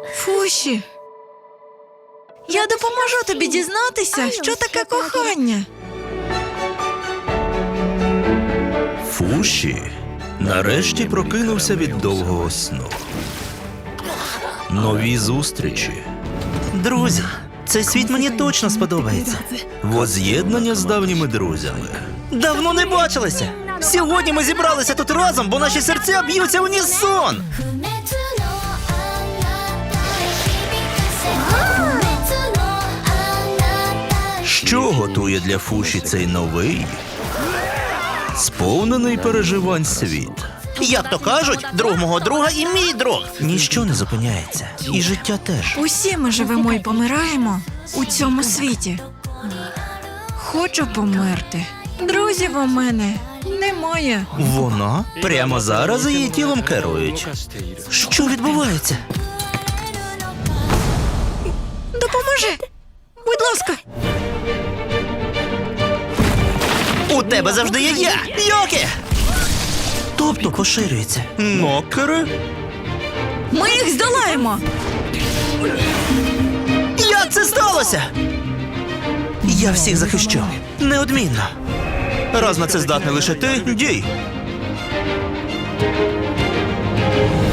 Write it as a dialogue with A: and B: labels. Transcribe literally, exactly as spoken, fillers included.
A: Фуші, я допоможу тобі дізнатися, що таке кохання.
B: Фуші нарешті прокинувся від довгого сну. Нові зустрічі,
C: Друзі, цей світ мені точно сподобається.
B: воз'єднання з давніми друзями.
C: Давно не бачилися. Сьогодні ми зібралися тут разом, бо наші серця б'ються в унісон.
B: Що готує для Фуші цей новий, сповнений переживань світ?
C: Як то кажуть, друг мого друга і мій друг. Ніщо не зупиняється. І життя теж.
A: Усі ми живемо і помираємо у цьому світі. Хочу померти. Друзів у мене немає.
C: Вона?
B: Прямо зараз її тілом керують.
C: Що відбувається?
A: Допоможи! Будь ласка!
C: У тебе завжди є я! Йокі! Тобто поширюється.
B: Нокери?
A: Ми їх здолаємо!
C: Як це сталося? Я всіх захищу. Неодмінно. Раз на це здатний лише ти, дій.